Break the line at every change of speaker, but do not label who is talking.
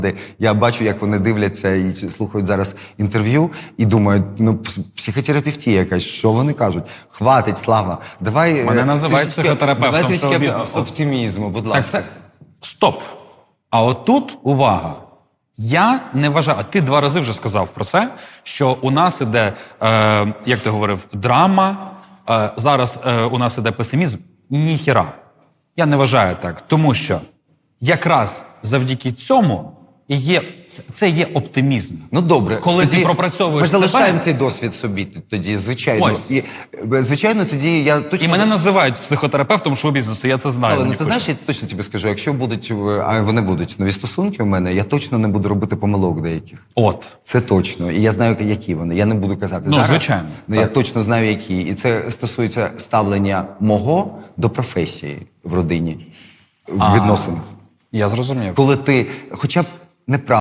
Я бачу, як вони дивляться і слухають зараз інтерв'ю, і думають, ну, психотерапевтія якась, що вони кажуть? Хватить, Слава, давай...
Мене називають психотерапевтом шоу-бізнесу.
Оптимізму, будь
Так,
ласка.
стоп. А отут, увага, я не вважаю, а ти 2 рази вже сказав про це, що у нас іде, як ти говорив, драма, зараз у нас іде песимізм. Ніхіра. Я не вважаю так, тому що якраз завдяки цьому і є, це є оптимізм.
Ну, добре.
Коли ти пропрацьовуєш
Ми залишаємо
себе,
цей досвід собі тоді, звичайно.
Ось.
І, звичайно, тоді я точно...
і мене називають психотерапевтом шоу-бізнесу, я це знаю.
Але, ну,
мені
ти
хочеться.
знаєш, я точно тобі скажу, якщо будуть, а вони будуть нові стосунки у мене, я точно не буду робити помилок деяких.
От.
Це точно. І я знаю, які вони. Я не буду казати
Ну,
зараз.
звичайно.
Але я точно знаю, які. І це стосується ставлення мого до професії в родині, в відносинах.
Я зрозумів.
Коли ти хоча б неправильно